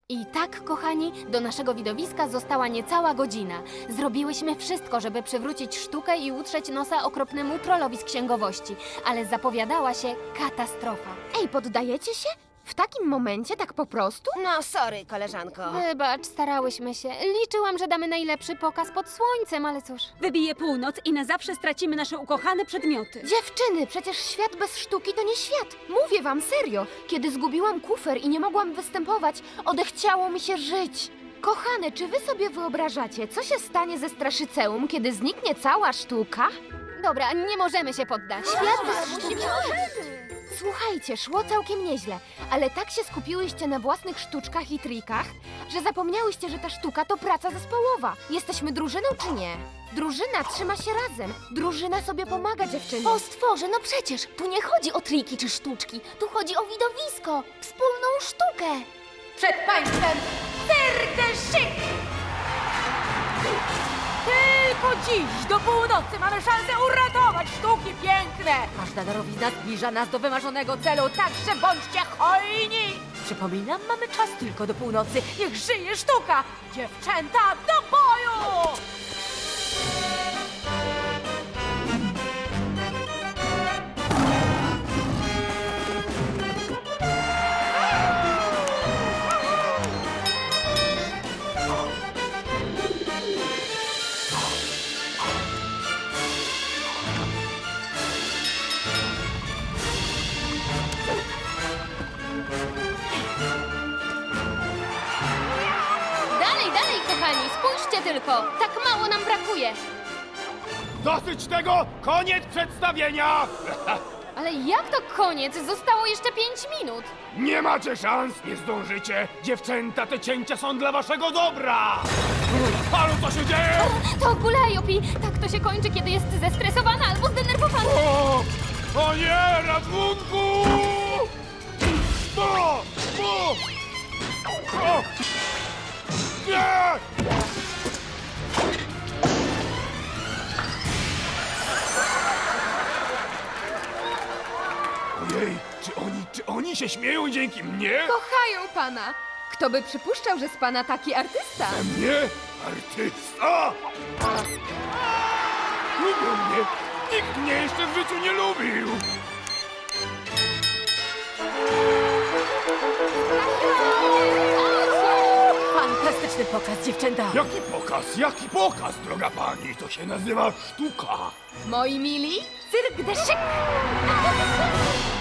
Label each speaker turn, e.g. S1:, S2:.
S1: I tak, kochani, do naszego widowiska została niecała godzina. Zrobiłyśmy wszystko, żeby przywrócić sztukę i utrzeć nosa okropnemu trollowi z księgowości, ale zapowiadała się katastrofa.
S2: Ej, poddajecie się? W takim momencie tak po prostu?
S3: No, sorry, koleżanko.
S1: Wybacz, starałyśmy się. Liczyłam, że damy najlepszy pokaz pod słońcem, ale cóż.
S4: Wybije północ i na zawsze stracimy nasze ukochane przedmioty.
S2: Dziewczyny, przecież świat bez sztuki to nie świat. Mówię wam serio. Kiedy zgubiłam kufer i nie mogłam występować, odechciało mi się żyć. Kochane, czy wy sobie wyobrażacie, co się stanie ze Straszyceum, kiedy zniknie cała sztuka?
S1: Dobra, nie możemy się poddać.
S2: Świat bez sztuki. Słuchajcie, szło całkiem nieźle, ale tak się skupiłyście na własnych sztuczkach i trikach, że zapomniałyście, że ta sztuka to praca zespołowa. Jesteśmy drużyną czy nie? Drużyna trzyma się razem. Drużyna sobie pomaga, dziewczyny.
S1: O stworze, no przecież tu nie chodzi o triki czy sztuczki. Tu chodzi o widowisko, wspólną sztukę.
S3: Przed państwem Serdeszy! Tylko dziś do północy mamy szansę uratować sztuki piękne! Każda darowizna zbliża nas do wymarzonego celu, także bądźcie hojni! Przypominam, mamy czas tylko do północy. Niech żyje sztuka! Dziewczęta, do boju!
S1: Dalej, dalej, kochani, spójrzcie tylko. Tak mało nam brakuje.
S5: Dosyć tego! Koniec przedstawienia!
S1: Ale jak to koniec? Zostało jeszcze 5 minut.
S5: Nie macie szans, nie zdążycie! Dziewczęta, te cięcia są dla waszego dobra! Halo, co się dzieje?
S1: To Gulajopi. Tak to się kończy, kiedy jest zestresowana albo zdenerwowana.
S5: O nie, ratunku! O! Nie! Ojej, czy oni się śmieją dzięki mnie?
S2: Kochają pana. Kto by przypuszczał, że z pana taki artysta?
S5: Mnie? Artysta? Lubią mnie. Nikt mnie jeszcze w życiu nie lubił.
S3: Fantastyczny pokaz, dziewczęta!
S5: Jaki pokaz? Jaki pokaz, droga pani? To się nazywa sztuka.
S2: Moi mili?
S3: Cyrk de Chic!